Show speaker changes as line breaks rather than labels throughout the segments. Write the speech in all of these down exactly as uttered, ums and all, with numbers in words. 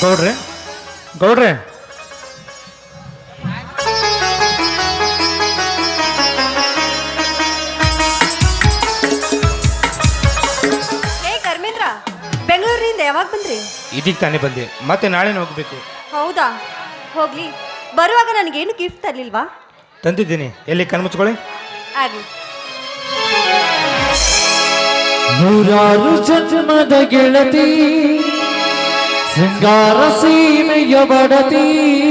ಗೌಡ್ರೆ ಗೌಡ್ರೆ
ಹೇ ಕರ್ಮೇಂದ್ರ, ಬೆಂಗಳೂರಿನಿಂದ ಯಾವಾಗ ಬಂದ್ರಿ?
ಇದೀಗ ತಾನೇ ಬಂದೆ, ಮತ್ತೆ ನಾಳೆನೇ ಹೋಗ್ಬೇಕು.
ಹೌದಾ, ಹೋಗ್ಲಿ. ಬರುವಾಗ ನನಗೇನು ಗಿಫ್ಟ್ ತರಲಿಲ್ವಾ?
ತಂದಿದ್ದೀನಿ, ಎಲ್ಲಿ ಕಣ್ಮುಚ್ಕೊಳ್ಳಿ.
ಆಗ್ಲಿ.
ನೂರಾರು ಜನ್ಮದ ಗೆಳತಿ, ಶೃಂಗಾರ ಸೀಮೆಯ ಬಡತಿ,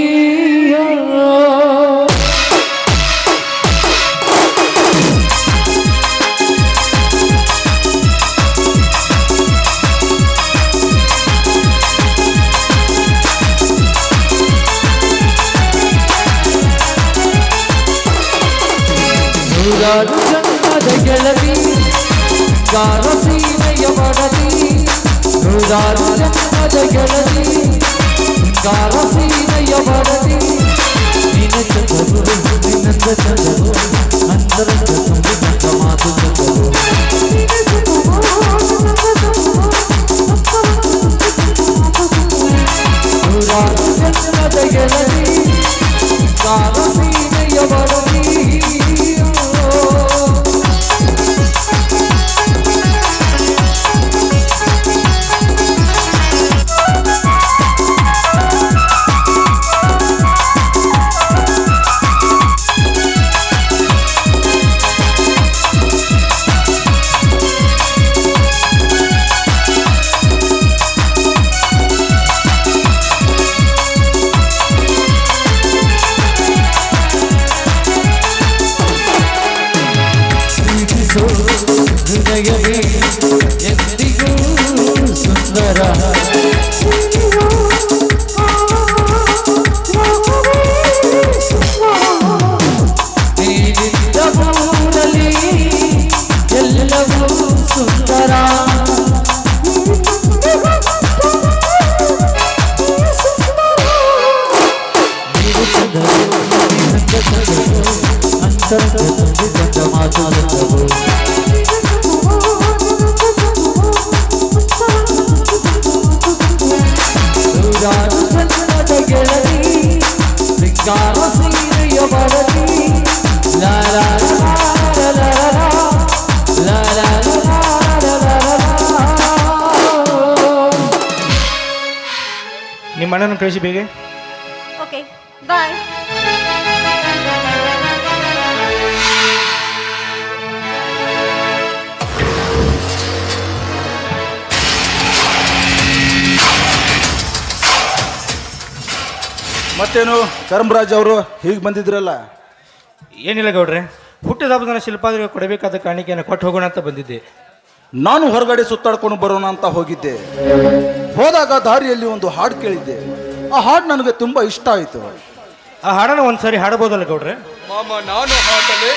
ನೂರಾರು ಜನ್ಮದ ಗೆಳತಿ, ಶೃಂಗಾರ ಸೀಮೆಯ ಬಡತಿ, ನೂರಾರು ಜನ್ಮದ ಗೆಳತಿ, ಶೃಂಗಾರ ಸೀಮೆಯ ಬಡತಿ, ನಿನ್ನ ಚಂದರು ನಿನ್ನಂದ ಚಂದರು, ಅಂತರಂಗ ತುಂಬಿದಂತ ಮಾತು ಚಂದರು, ನೂರಾರು ಜನ್ಮದ ಗೆಳತಿ, ಶೃಂಗಾರ ಸೀಮೆಯ ಬಡತಿ. ಹೃದಯವೇ ಎಂದಿಗೂ ಸುಂದರ, ನೀನಿದ್ದ ಮೂಡಲಿ ಎಲ್ಲವೂ ಸುಂದರ, ನೀನು ಚಂದರು ನಿನ್ನಂದ ಚಂದರು, ಅಂತರಂಗ ತುಂಬಿದಂತ ಮಾತು ಚಂದರು, ನೂರಾರು ಜನ್ಮದ ಗೆಳತಿ, ಶೃಂಗಾರ ಸೀರೆಯ ಬಡತಿ, ಲಾ ಲಾ ಲಾ ಲಾ ಲಾ ಲಾ ಲಾ ಲಾ.
ನಿಮ್ಮ ಅಣ್ಣನ ಕಳಿಸಿ ಬೇಗ.
Okay, bye.
ಮತ್ತೇನು ಕರ್ಮರಾಜ್ ಅವರು ಹೀಗೆ ಬಂದಿದ್ರಲ್ಲ?
ಏನಿಲ್ಲ ಗೌಡ್ರೆ, ಹುಟ್ಟಿದ ಹಬ್ಬದ ಶಿಲ್ಪಾದ್ರಿಗೆ ಕೊಡಬೇಕಾದ ಕಾಣಿಕೆಯನ್ನು ಕೊಟ್ಟು ಹೋಗೋಣ ಅಂತ ಬಂದಿದ್ದೆ.
ನಾನು ಹೊರಗಡೆ ಸುತ್ತಾಡ್ಕೊಂಡು ಬರೋಣ ಅಂತ ಹೋಗಿದ್ದೆ. ಹೋದಾಗ ದಾರಿಯಲ್ಲಿ ಒಂದು ಹಾಡು ಕೇಳಿದ್ದೆ. ಆ ಹಾಡು ನನಗೆ ತುಂಬಾ ಇಷ್ಟ ಆಯಿತು.
ಆ ಹಾಡನ್ನು ಒಂದ್ಸರಿ ಹಾಡಬಹುದಲ್ಲ ಗೌಡ್ರೆ?
ಮಾಮ, ನಾನು ಹಾಡಲೆ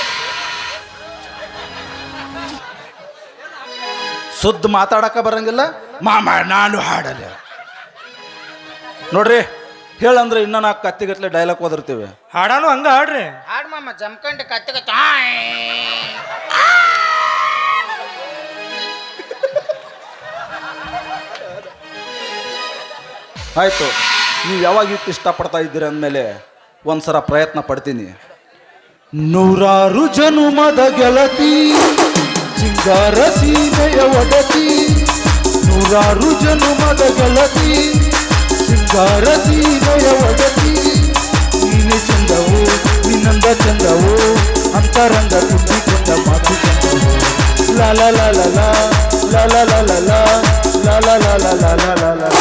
ಸುದ್ದ ಮಾತಾಡಕ ಬರಂಗಿಲ್ಲ. ಮಾಮ, ನಾನು ಹಾಡಲೆ ನೋಡ್ರಿ, ಹೇಳಂದ್ರೆ ಇನ್ನ ನಾಲ್ಕು ಕತ್ತಿಗಟ್ಲೆ ಡೈಲಾಗ್ ಓದಿರ್ತೇವೆ.
ಹಾಡಾನು ಹಂಗ ಹಾಡ್ರಿ.
ಹಾಡ್ ಮಾಮ, ಜಮ್ಕಂಡು ಕತ್ತಗತ್ತ.
ಆಯ್ತು, ನೀವು ಯಾವಾಗ ಇಟ್ಟು ಇಷ್ಟಪಡ್ತಾ ಇದ್ದೀರಿ ಅಂದಮೇಲೆ ಒಂದ್ಸಲ ಪ್ರಯತ್ನ ಪಡ್ತೀನಿ. ನೂರಾರು ಜನುಮದ ಗೆಳತಿ, ಚಿಂಗಾರ ಸೀಮೆಯ ಒಡತಿ, ನೂರಾರು ಜನುಮದ ಗೆಳತಿ, ಸಿಂಗಾರ ಸೀಮೆಯ ಒಡತಿ, ನೀನೆ ಚಂದವು ನಿನ್ನಂದ ಚಂದವು, ಅಂತರಂಗ ತುಂಬಿಕೊಂಡ ಮಾತು ಚಂದವು, ಲಾ ಲಾ ಲಾ ಲಾ ಲಾ ಲಾ ಲಾ ಲಾ ಲಾ ಲಾ ಲಾ ಲಾ ಲಾ ಲಾ ಲಾ ಲಾ ಲಾ ಲಾ.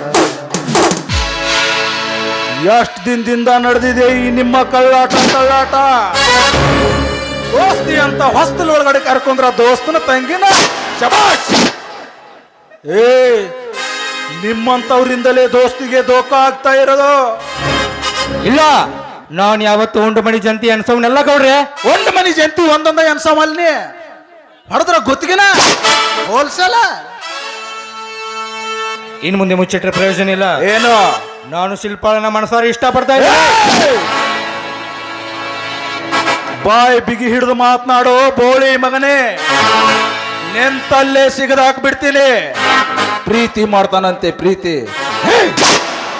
ಎಷ್ಟು ದಿನದಿಂದ ನಡೆದಿದೆ ಈ ನಿಮ್ಮ ಕಳ್ಳಾಟ ಕಳ್ಳಾಟ? ದೋಸ್ತಿ ಅಂತ ಹೊಸ್ತಲ ಒಳಗಡೆ ಕರ್ಕೊಂಡ್ರ ದೋಸ್ತನ ತಂಗಿನ ಶಬಾಷ್. ಏ, ನಿಮ್ಮಂತವ್ರಿಂದಲೇ ದೋಸ್ತಿಗೆ ದೋಖ ಆಗ್ತಾ ಇರೋದು.
ಇಲ್ಲ, ನಾನು ಯಾವತ್ತು ಉಂಡು ಮಣಿ ಜಂತಿ ಅನ್ಸವನ್ನೆಲ್ಲ ಗೌಡ್ರೆ.
ಒಂದು ಮನಿ ಜಂತಿ ಒಂದೊಂದ ಎನ್ಸವಲ್ನಿ ಹೊಡೆದ್ರ ಗೊತ್ತಿಗೆನ ಹೋಲ್ಸಲ.
ಇನ್ ಮುಂದೆ ಮುಚ್ಚಿಟ್ರೆ ಪ್ರಯೋಜನ ಇಲ್ಲ.
ಏನು?
ನಾನು ಶಿಲ್ಪಾಳನ ಮನಸಾರಿ ಇಷ್ಟಪಡ್ತಾ ಇದ್ದೆ.
ಬಾಯ್ ಬಿಗಿ ಹಿಡಿದು ಮಾತನಾಡೋ ಬೋಳಿ ಮಗನೇ, ನಿಂತಲ್ಲೇ ಸಿಗದ ಹಾಕ್ಬಿಡ್ತೀನಿ. ಪ್ರೀತಿ ಮಾಡ್ತಾನಂತೆ ಪ್ರೀತಿ.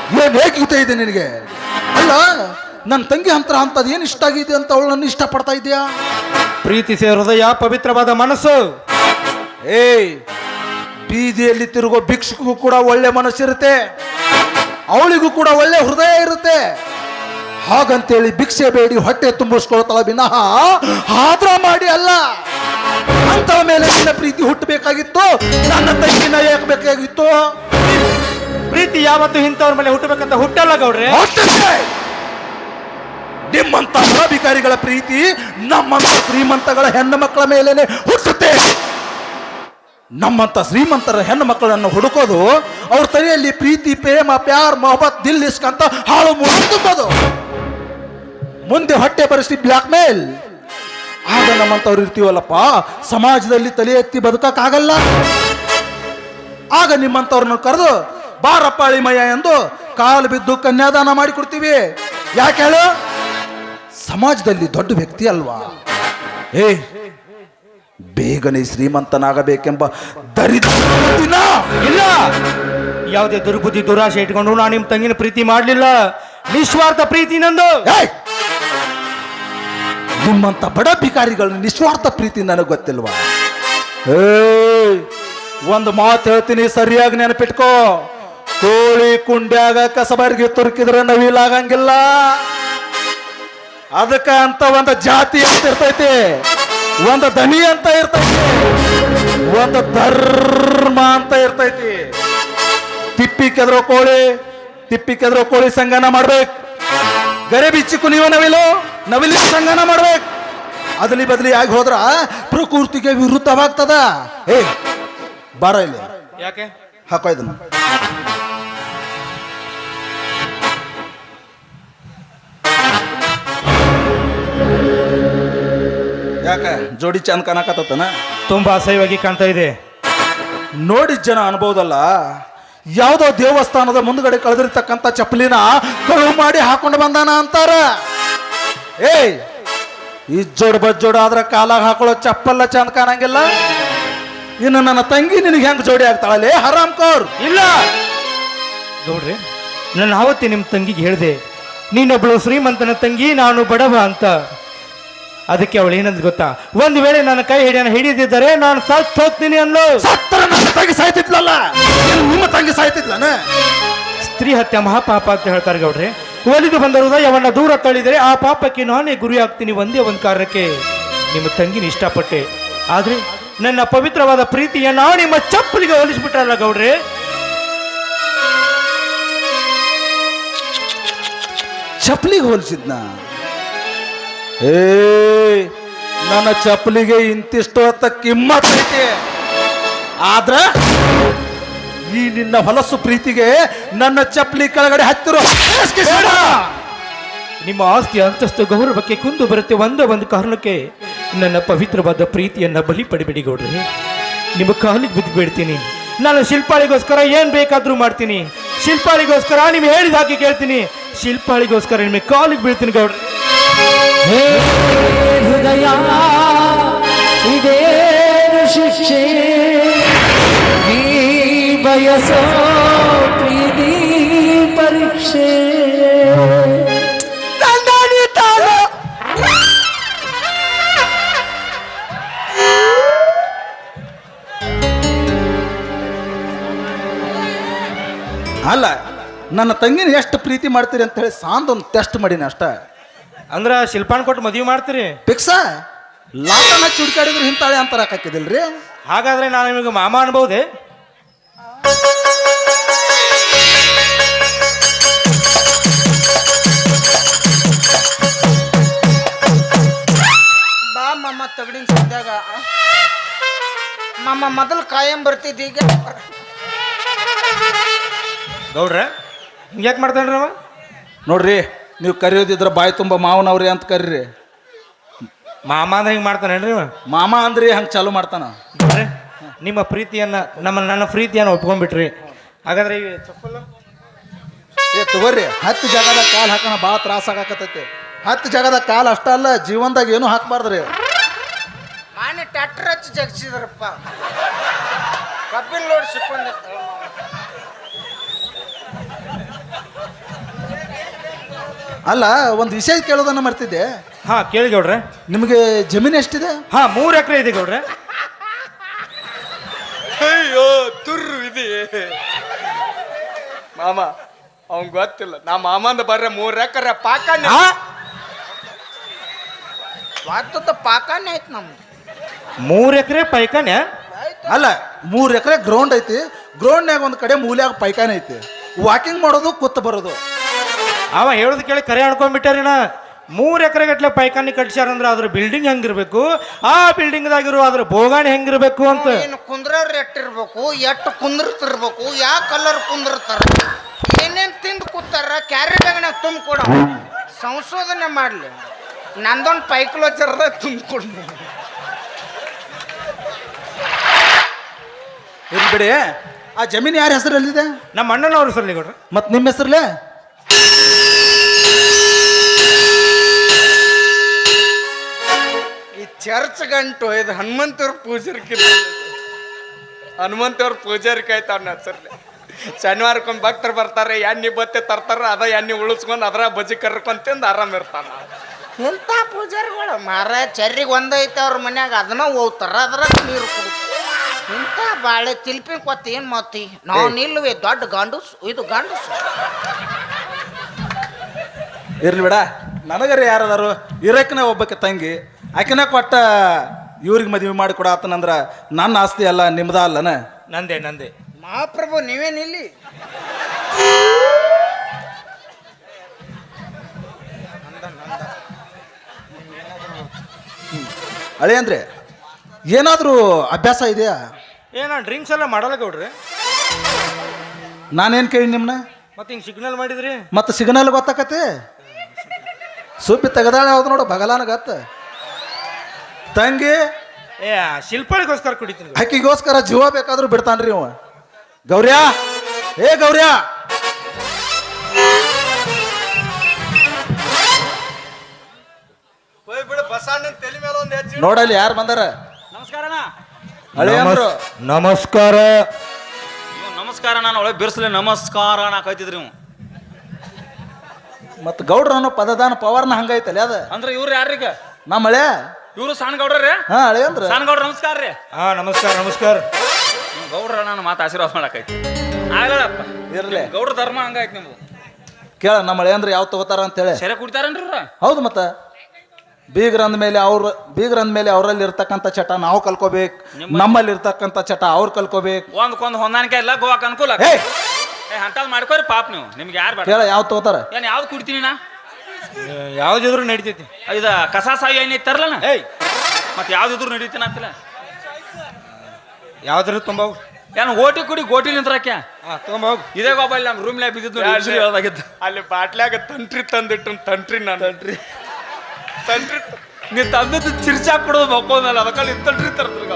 ಏನ್ ಹೇಗಿದೆ ಇದೆ ನಿನಗೆ? ಅಲ್ಲ ನನ್ನ ತಂಗಿ ಹಂತರ ಅಂತದ್ ಏನ್ ಇಷ್ಟ ಆಗಿದೆ ಅಂತ ಅವಳು ನನ್ನ ಇಷ್ಟಪಡ್ತಾ ಇದೆಯಾ?
ಪ್ರೀತಿಸಿದ ಹೃದಯ, ಪವಿತ್ರವಾದ ಮನಸ್ಸು.
ಏಯ್, ಬೀದಿಯಲ್ಲಿ ತಿರುಗೋ ಭಿಕ್ಷುಗೂ ಕೂಡ ಒಳ್ಳೆ ಮನಸ್ಸಿರುತ್ತೆ, ಅವಳಿಗೂ ಕೂಡ ಒಳ್ಳೆ ಹೃದಯ ಇರುತ್ತೆ. ಹಾಗಂತೇಳಿ ಭಿಕ್ಷೆ ಬೇಡಿ ಹೊಟ್ಟೆ ತುಂಬಿಸ್ಕೊಳ್ತಾಳ ವಿನಃ ಆದ್ರ ಮಾಡಿ ಅಲ್ಲ. ಅಂತ ಮೇಲೆ ನಿನ್ನ ಪ್ರೀತಿ ಹುಟ್ಟಬೇಕಾಗಿತ್ತು, ನನ್ನ ತಂಗಿನ ಯಾಕೆ ಬೇಕಾಗಿತ್ತು?
ಪ್ರೀತಿ ಯಾವತ್ತು ಇಂಥವ್ರ ಮೇಲೆ ಹುಟ್ಟಬೇಕಂತ ಹುಟ್ಟಲ್ಲ ಗೌಡ್ರೆ.
ಹುಟ್ಟುತ್ತೆ. ನಿಮ್ಮಂತ ಅಧಿಕಾರಿಗಳ ಪ್ರೀತಿ ನಮ್ಮಂತ ಶ್ರೀಮಂತಗಳ ಹೆಣ್ಣು ಮಕ್ಕಳ ಮೇಲೇನೆ ಹುಟ್ಟುತ್ತೆ. ನಮ್ಮಂತ ಶ್ರೀಮಂತರ ಹೆಣ್ಣು ಮಕ್ಕಳನ್ನು ಹುಡುಕೋದು, ಅವ್ರ ತಲೆಯಲ್ಲಿ ಪ್ರೀತಿ, ಪ್ರೇಮ, ಪ್ಯಾರ್, ಮೊಹಬತ್, ದಿಲ್ ಇಸ್ಕ್ ಅಂತ ಹಾಳು ಮುಳು ತುಂಬೋದು. ಮುಂದೆ ಹೊಟ್ಟೆ ಬರೆಸಿ ಬ್ಲ್ಯಾಕ್ ಮೇಲ್. ಆಗ ನಮ್ಮಂತವ್ರು ಇರ್ತೀವಲ್ಲಪ್ಪ, ಸಮಾಜದಲ್ಲಿ ತಲೆ ಎತ್ತಿ ಬದುಕಕ್ಕಾಗಲ್ಲ. ಆಗ ನಿಮ್ಮಂತವ್ರನ್ನ ಕರೆದು ಬಾರಪ್ಪ ಅಳಿಮಯ್ಯ ಎಂದು ಕಾಲು ಬಿದ್ದು ಕನ್ಯಾದಾನ ಮಾಡಿ ಕೊಡ್ತೀವಿ. ಯಾಕೆ ಹೇಳು? ಸಮಾಜದಲ್ಲಿ ದೊಡ್ಡ ವ್ಯಕ್ತಿ ಅಲ್ವಾ? ಏ, ಬೇಗನೆ ಶ್ರೀಮಂತನಾಗಬೇಕೆಂಬ ದರಿದ್ರ ದಿನ
ಇಲ್ಲ. ಯಾವುದೇ ದುರ್ಬುದ್ಧಿ ದುರಾಶೆ ಇಟ್ಕೊಂಡು ನಾನು ನಿಮ್ಮ ತಂಗಿನ ಪ್ರೀತಿ ಮಾಡಲಿಲ್ಲ. ನಿಸ್ವಾರ್ಥ ಪ್ರೀತಿ ನಂದು.
ಏಯ್! ನಿಮ್ಮಂತ ಬಡ ಭಿಕಾರಿಗಳ ನಿಸ್ವಾರ್ಥ ಪ್ರೀತಿ ನನಗೆ ಗೊತ್ತಿಲ್ವಾ? ಏಯ್, ಒಂದು ಮಾತು ಹೇಳ್ತೀನಿ, ಸರಿಯಾಗಿ ನೆನಪಿಟ್ಕೋ. ಕೋಳಿ ಕುಂಡ್ಯಾಗ ಕಸಬರ್ಗಿ ತುರುಕಿದ್ರೆ ನವಿಲಾಗಂಗಿಲ್ಲ. ಅದಕ್ಕ ಅಂತ ಒಂದು ಜಾತಿ ಅಂತ ಇರ್ತೈತಿ, ಒಂದು ದನಿ ಅಂತ ಇರ್ತೈತಿ, ಒಂದು ಧರ್ಮ ಅಂತ ಇರ್ತೈತಿ. ತಿಪ್ಪಿ ಕೆದ್ರೋ ಕೋಳಿ ತಿಪ್ಪಿ ಕೆದ್ರೋ ಕೋಳಿ ಸಂಗನ ಮಾಡ್ಬೇಕು. ಗರೆ ಬಿಚ್ಚಿ ಕುಣಿಯುವ ನವಿಲು ನವಿಲಿ ಸಂಗನ ಮಾಡ್ಬೇಕು. ಅದಲಿ ಬದಲಿ ಆಗಿ ಹೋದ್ರ ಪ್ರಕೃತಿಗೆ ವಿರುದ್ಧವಾಗ್ತದ. ಏ, ಬಾರ ಇಲ್ಲಿ.
ಯಾಕೆ?
ಹಾಕೋ ಇದನ್ನ. ಯಾಕ ಜೋಡಿ ಚಂದ ಕಾಣಕತ್ತನ?
ತುಂಬಾ ಅಸಹ್ಯವಾಗಿ ಕಾಣ್ತಾ ಇದೆ.
ನೋಡಿ ಜನ ಅನ್ಬೋದಲ್ಲ, ಯಾವುದೋ ದೇವಸ್ಥಾನದ ಮುಂದ್ಗಡೆ ಕಳೆದಿರ್ತಕ್ಕಂಥ ಚಪ್ಪಲಿನ ಕಳುವು ಮಾಡಿ ಹಾಕೊಂಡು ಬಂದಾನ ಅಂತಾರ. ಏಯ್, ಇಜ್ಜೋಡ್ ಬಜ್ಜೋಡ್ ಆದ್ರ ಕಾಲಾಗ ಹಾಕೊಳ್ಳೋ ಚಪ್ಪಲ್ಲ ಚಂದ ಕಾಣಂಗಿಲ್ಲ. ಇನ್ನು ನನ್ನ ತಂಗಿ ನಿನಗೆ ಹೆಂಗ್ ಜೋಡಿ ಆಗ್ತಾಳಲ್ಲೇ ಹರಾಮ್ ಕೋರ್?
ಇಲ್ಲ ಗೌಡ್ರೆ, ನಾನು ಆವತ್ತೇ ನಿಮ್ಮ ತಂಗಿಗೆ ಹೇಳಿದೆ, ನೀನೊಬ್ಬಳು ಶ್ರೀಮಂತನ ತಂಗಿ, ನಾನು ಬಡವ ಅಂತ. ಅದಕ್ಕೆ ಅವಳು ಏನಂದ್ ಗೊತ್ತಾ? ಒಂದು ವೇಳೆ ನನ್ನ ಕೈ ಹಿಡಿಯನ ಹಿಡಿದಿದ್ದರೆ ನಾನು ಸತ್ತು ಹೋಗ್ತೀನಿ ಅನ್ಲು.
ಸತ್ತರ ನನ್ನ ತಂಗಿ ಸಾಯ್ತಿದ್ಲಲ್ಲ, ನಿಮ್ಮ ತಂಗಿ ಸಾಯ್ತಿದ್ಲನ?
ಸ್ತ್ರೀ ಹತ್ಯೆ ಮಹಾಪಾಪ ಅಂತ ಹೇಳ್ತಾರೆ ಗೌಡ್ರೆ. ಒಲಿದು ಬಂದ ಹೃದಯವನ್ನ ದೂರ ತಳ್ಳಿದರೆ ಆ ಪಾಪಕ್ಕೆ ನಾನೇ ಗುರಿ ಆಗ್ತೀನಿ. ಒಂದೇ ಒಂದು ಕಾರಣಕ್ಕೆ ನಿಮ್ಮ ತಂಗಿನ ಇಷ್ಟಪಟ್ಟೆ. ಆದ್ರೆ ನನ್ನ ಪವಿತ್ರವಾದ ಪ್ರೀತಿಯ ನಾವು ನಿಮ್ಮ ಚಪ್ಪಲಿಗೆ ಹೋಲಿಸ್ಬಿಟ್ರಲ್ಲ ಗೌಡ್ರೆ.
ಚಪ್ಪಲಿಗೆ ಹೋಲಿಸಿದ್ನ? ಏ, ನನ್ನ ಚಪ್ಪಲಿಗೆ ಇಂತಿಷ್ಟು ಹೊತ್ತ ಕಿಮ್ಮತ್ ಐತಿ. ಆದ್ರ ಈ ನಿನ್ನ ಹೊಲಸು ಪ್ರೀತಿಗೆ ನನ್ನ ಚಪ್ಪಲಿ ಕೆಳಗಡೆ ಹತ್ತಿರೋ
ನಿಮ್ಮ ಆಸ್ತಿ ಅಂತಸ್ತು ಗೌರವಕ್ಕೆ ಕುಂದು ಬರುತ್ತೆ ಒಂದೇ ಒಂದು ಕಾರಣಕ್ಕೆ ನನ್ನ ಪವಿತ್ರವಾದ ಪ್ರೀತಿಯನ್ನ ಬಲಿ ಪಡಿಬೇಡಿ ಗೌಡ್ರೆ. ನಿಮ್ಮ ಕಾಲಿಗೆ ಬಿದ್ದು ಬೇಡ್ತೀನಿ. ನಾನು ಶಿಲ್ಪಾಳಿಗೋಸ್ಕರ ಏನ್ ಬೇಕಾದ್ರೂ ಮಾಡ್ತೀನಿ. ಶಿಲ್ಪಾಳಿಗೋಸ್ಕರ ನಿಮ್ಗೆ ಹೇಳಿದ ಹಾಕಿ ಕೇಳ್ತೀನಿ. ಶಿಲ್ಪಾಳಿಗೋಸ್ಕರ ನಿಮಗೆ ಕಾಲಿಗೆ ಬೀಳ್ತೀನಿ ಗೌಡ್ರೆ.
ಹೇ ಹೃದಯ, ಇದೇನು ಶಿಕ್ಷೆ? ನೀ ಬಯಸೋ ಪ್ರೀತಿ ಪರೀಕ್ಷೆ.
ಅಲ್ಲ, ನನ್ನ ತಂಗಿನ ಎಷ್ಟು ಪ್ರೀತಿ ಮಾಡ್ತೀರಿ ಅಂತ ಹೇಳಿ ಸಾಂದ್ ಒಂದು ಟೆಸ್ಟ್ ಮಾಡೀನಿ ಅಷ್ಟ.
ಅಂದ್ರ ಶಿಲ್ಪಾನ್ ಕೊಟ್ಟು ಮದುವೆ ಮಾಡ್ತೀರಿ?
ಪಿಕ್ಸ ಲಾಟನ ಚುಡ್ಕಾಡಿದ್ರೆ ಹಿಂತಾಳೆ ಅಂತಾರ ಹಾಕಿದಿಲ್ರಿ.
ಹಾಗಾದ್ರೆ ನಾನು ನಿಮಗೆ ಮಾಮ ಅನ್ಬಹುದೇ?
ಬಾ ಮಮ್ಮ ತಗಡಿನ ಸದ್ಯಾಗ ಮಮ್ಮ ಮೊದಲು ಕಾಯಂ ಬರ್ತಿದ್ದ ಈಗ
ಗೌಡ್ರೆ ಹಿಂಗ್ಯಾಕೆ ಮಾಡ್ತಾನ್ರಿ ಅವ?
ನೋಡ್ರಿ, ನೀವು ಕರೆಯೋದಿದ್ರ ಬಾಯಿ ತುಂಬ ಮಾವನವ್ರಿ ಅಂತ ಕರೀರಿ.
ಮಾಮ ಅಂದ್ರೆ ಹಿಂಗೆ ಮಾಡ್ತಾನೇನ್ರಿ ಅವ?
ಮಾಮ ಅಂದ್ರಿ ಹಂಗೆ ಚಾಲು ಮಾಡ್ತಾನ.
ಗೌಡ್ರೆ, ನಿಮ್ಮ ಪ್ರೀತಿಯನ್ನ ನಮ್ಮ ನನ್ನ ಪ್ರೀತಿಯನ್ನು ಒಪ್ಕೊಂಡ್ಬಿಟ್ರಿ. ಹಾಗಾದ್ರೆ ಈ ಚಪ್ಪಲ
ಏ ತಗೋರಿ, ಹತ್ತು ಜಾಗದಾಗ ಕಾಲು ಹಾಕೋಣ ಭಾಳ ತ್ರಾಸ ಆಗಾಕತ್ತೈತಿ. ಹತ್ತು ಜಾಗದಾಗ ಕಾಲು ಅಷ್ಟ ಅಲ್ಲ, ಜೀವನದಾಗ ಏನೂ ಹಾಕ್ಬಾರ್ದ್ರಿ.
ಮಾನೆ ಟ್ಯಾಕ್ಟರ್ ಹಚ್ಚಿ ಜಗ್ಸಿದ್ರಪ್ಪ, ಕಬ್ಬಿನ ಲೋಡ್ ಸಿಕ್ಕೊಂಡ
ಅಲ್ಲ ಒಂದು ವಿಷಯ ಕೇಳೋದನ್ನ ಮರ್ತಿದ್ದೆ.
ಹಾ ಕೇಳಿ ಗೌಡ್ರೆ.
ನಿಮಗೆ ಜಮೀನು ಎಷ್ಟಿದೆ?
ಹಾ ಮೂರು ಎಕರೆ ಇದೆ ಗೌಡ್ರೆ.
ಅಯ್ಯೋ ತುರ್ರು ಇದೆ ಮಾಮ, ಅವನ್ ಗೊತ್ತಿಲ್ಲ. ನಾ ಮಾಮಂದ ಬರ್ರೆ ಮೂರ್ ಎಕರೆ ಪಾಕಾನೆ
ಹಾ
ವಾತದ ಪಾಕಾನೆ ಐತ್ ನಮ್ದು.
ಮೂರು ಎಕರೆ ಪೈಕಾನೆ.
ಅಲ್ಲ, ಮೂರು ಎಕರೆ ಗ್ರೌಂಡ್ ಐತಿ. ಗ್ರೌಂಡ್ನಾಗ ಒಂದು ಕಡೆ ಮೂಲ್ಯಾಗ ಪೈಖಾನೆ ಐತಿ. ವಾಕಿಂಗ್ ಮಾಡೋದು ಕೂತ್ ಬರೋದು.
ಅವ ಹೇಳೋದು ಕೇಳಿ ಕರೆ ಅನ್ಕೊಂಡ್ಬಿಟ್ಟಾರಿನ. ಮೂರು ಎಕರೆ ಗಟ್ಲೆ ಪೈಖಾನಿ ಕಟ್ಸ್ಯಾರಂದ್ರೆ ಅದ್ರ ಬಿಲ್ಡಿಂಗ್ ಹೆಂಗಿರ್ಬೇಕು, ಆ ಬಿಲ್ಡಿಂಗ್ದಾಗಿರೋ ಅದ್ರ ಬೋಗಾಣಿ ಹೆಂಗಿರ್ಬೇಕು ಅಂತ.
ಏನು ಕುಂದ್ರವ್ರು ಎಟ್ಟಿರ್ಬೇಕು, ಎಟ್ಟು ಕುಂದಿರ್ತಿರ್ಬೇಕು, ಯಾವ ಕಲರ್ ಕುಂದಿರ್ತಾರ, ಏನೇನ್ ತಿಂದು ಕೂತಾರ, ಕ್ಯಾರಿ ಬ್ಯಾಗ್ನಾಗ ತುಂಬಿಕೊಡ ಸಂಶೋಧನೆ ಮಾಡ್ಲಿ. ನಂದೊಂದು ಪೈಕ್ಲೋಚರ್ದ ತುಂಬಿಕೊಂಡು
ಇರ್ಲಿ ಬಿಡಿ. ಆ ಜಮೀನು ಯಾರ ಹೆಸರಲ್ಲಿದೆ?
ನಮ್ಮ ಅಣ್ಣನವ್ರ ಸಲ್ಲಿ ಗೌಡ್ರೆ.
ಮತ್ತು ನಿಮ್ಮ ಹೆಸರಲ್ಲೇ?
ಈ ಚರ್ಚ್ ಗಂಟು ಇದು ಹನುಮಂತವ್ರ ಪೂಜಾರಿಕೆ. ಹನುಮಂತವ್ರ ಪೂಜಾರಿಕೆ ಆಯ್ತು ಅವ್ನ ಹೆಸರ್ಲಿ. ಶನಿವಾರಕ್ಕೊಂದು ಭಕ್ತರು ಬರ್ತಾರೆ, ಎಣ್ಣೆ ಬತ್ತೆ ತರ್ತಾರ, ಅದ ಎಣ್ಣೆ ಉಳಿಸ್ಕೊಂಡು ಅದ್ರ ಬಜ್ಜಿ ಕರ್ಕೊಂಡ್ ತಿಂದು ಆರಾಮ್ ಇರ್ತಾನ.
ಎಂಥ ಪೂಜಾರಿಗಳು ಮಾರ. ಚರ್ರಿಗೆ ಒಂದೈತೆ ಅವ್ರ ಮನ್ಯಾಗ, ಅದನ್ನ ಹೋಗ್ತಾರ, ಅದ್ರಾಗ ನೀರು ಕುಡಿತಾರ. ಇಂಥ ಬಾಳೆ ತಿಲ್ಪಿ ಕೊತ್ತ ಏನು ಮಾತಿ. ನಾವು ನಿಲ್ವೇ ದೊಡ್ಡ ಗಂಡಸ್, ಇದು ಗಂಡಸ್.
ಇರ್ಲಿ ಬಿಡ. ನನಗರೆ ಯಾರದಾರು ಇರಕ್ಕನ ಒಬ್ಬಕ್ಕೆ ತಂಗಿ, ಆಕಿನ ಕೊಟ್ಟ ಇವ್ರಿಗೆ ಮದುವೆ ಮಾಡಿ ಕೊಡಾತನಂದ್ರ ನನ್ನ ಆಸ್ತಿ ಅಲ್ಲ, ನಿಮ್ದ ಅಲ್ಲನ?
ನಂದೆ ನಂದೆ.
ಮಹಾಪ್ರಭು ನೀವೇನಿಲ್ಲಿ?
ಅಳೆ ಅಂದ್ರೆ ಏನಾದರೂ ಅಭ್ಯಾಸ ಇದೆಯಾ?
ಏನ ಡ್ರಿಂಕ್ಸ್ ಎಲ್ಲ ಮಾಡಲ್ಲ ಗೌಡ್ರೆ.
ನಾನೇನು ಕೇಳಿ ನಿಮ್ಮನ್ನ?
ಮತ್ತೆ ಹಿಂಗೆ ಸಿಗ್ನಲ್ ಮಾಡಿದ್ರಿ.
ಮತ್ತು ಸಿಗ್ನಲ್ ಗೊತ್ತಾಕತಿ? ಸುಬ್ಬಿ ತೆಗದಾಳೆ ಹೌದು ನೋಡು, ಬಗಲಾನ ಗತ್ತ ತಂಗಿ.
ಏ ಶಿಲ್ಪಾಳಿಗೋಸ್ಕರ ಕುಡಿತೀನಿ.
ಆಕಿಗೋಸ್ಕರ ಜೀವ ಬೇಕಾದ್ರೂ ಬಿಡ್ತಾನ್ರಿ ಅವ. ಗೌರ್ಯಾ, ಏ ಗೌರ್ಯಾ,
ಬಸಣ್ಣನ ತಲೆ ಮೇಲೆ ಒಂದು ಹೆಜ್ಜೆ
ನೋಡಲ್ಲಿ ಯಾರು ಬಂದಾರ.
ನಮಸ್ಕಾರನ
ಹಳೆ ಅಂದ್ರು.
ನಮಸ್ಕಾರ.
ನಮಸ್ಕಾರ. ನಾನು ಒಳಗೆ ಬಿರ್ಸಲಿ ನಮಸ್ಕಾರ ನಾ ಕೈತಿದ್ರಿ ನೀವು.
ಮತ್ತು ಗೌಡ್ರ ಅನ್ನೋ ಪದದಾನ ಪವರ್ನ ಹಂಗೈತಲ್ಲ ಅದ.
ಅಂದ್ರೆ ಇವ್ರು ಯಾರೀಗ?
ನಮ್ಮ ಹಳೆ
ಇವ್ರು ಸಣ್ಣ ಗೌಡ್ರಿ.
ಹಾ ಹಳೆ ಅಂದ್ರ
ಸಣ್ಣ ಗೌಡ್ರ ನಮಸ್ಕಾರ ರೀ.
ಹಾ ನಮಸ್ಕಾರ ನಮಸ್ಕಾರ.
ಗೌಡ್ರ ನಾನು ಮಾತು ಆಶೀರ್ವಾದ ಮಾಡಕೈತಿ. ಆಗಲ್ಲಪ್ಪ,
ಇರ್ಲಿ.
ಗೌಡ್ರ ಧರ್ಮ ಹಂಗಾಯ್ತು ನಿಮ್ದು.
ಕೇಳ ನಮ್ಮ ಹಳೆ ಅಂದ್ರೆ ಯಾವ ತಗೋತಾರ ಅಂತೇಳಿ.
ಸೆರೆ ಕುಡಿತಾರನ್ರಿ ಇವ್ರ?
ಹೌದು. ಮತ್ತ ಬೀಗ್ರಂದ ಮೇಲೆ ಅವ್ರ ಬೀಗ್ರಂದ ಮೇಲೆ ಅವರಲ್ಲಿ ಇರ್ತಕ್ಕಂಥ ಚಟ ನಾವು ಕಲ್ಕೋಬೇಕು, ನಮ್ಮಲ್ಲಿ ಇರ್ತಕ್ಕಂಥ ಚಟ ಅವ್ರು ಕಲ್ಕೋಬೇಕು.
ಒಂದ್ಕೊಂದು ಹೊಂದಾಣಿಕೆ ಇಲ್ಲ, ಗೋವಾಕ್ ಅನುಕೂಲ.
ಏ
ಏ ಅಂತದ್ ಮಾಡ್ಕೋರಿ ಪಾಪ ನೀವು. ನಿಮ್ಗೆ ಯಾರು ಬೇಡ.
ಕೇಳ ಯಾವ ತಗೋತಾರ?
ಏನ್ ಯಾವ್ದು ಕುಡಿತೀನಿ ನಾ?
ಯಾವ್ದಿದ್ರು ನಡಿತೈತಿ.
ಇದ ಕಸ ಸಾಯಿ ಏನ್ ತರಲನ?
ಏಯ್
ಮತ್ತೆ ಯಾವ್ದಿದ್ರು ನಡೀತೀನಿ ಅಂತಿಲ್ಲ.
ಯಾವ್ದಾರು ತುಂಬ
ಏನು ಓಟಿ ಕುಡಿ ಗೋಟಿ ನಿಂತ್ರಾಕ್ಯ.
ಹಾ ತಗೊಂಬೋಗು.
ಇದೇ ಗೋಬಲ್ ನಮ್ಮ ರೂಮ್ ಲ್ಯಾಬ್ ಇದ್ದಿದ್ದು ಹೇಳ್ದಾಗಿತ್ತು.
ಅಲ್ಲಿ ಬಾಟ್ಲ್ಯಾಗ ತಂಟ್ರಿ ತಂದಿಟ್ಟು ತಂಟ್ರಿ ನಾನು ತಂಟ್ರಿ ತಂಟ್ರಿ
ನೀ ತಂದದ್ದು ಚಿರ್ಚಾಕ್ ಕೊಡೋದು ಮಕ್ಕೋದಲ್ಲ, ಅದಕ್ಕಲ್ಲಿ ತಂಟ್ರಿ ತರ್ದ್ರಿಗ.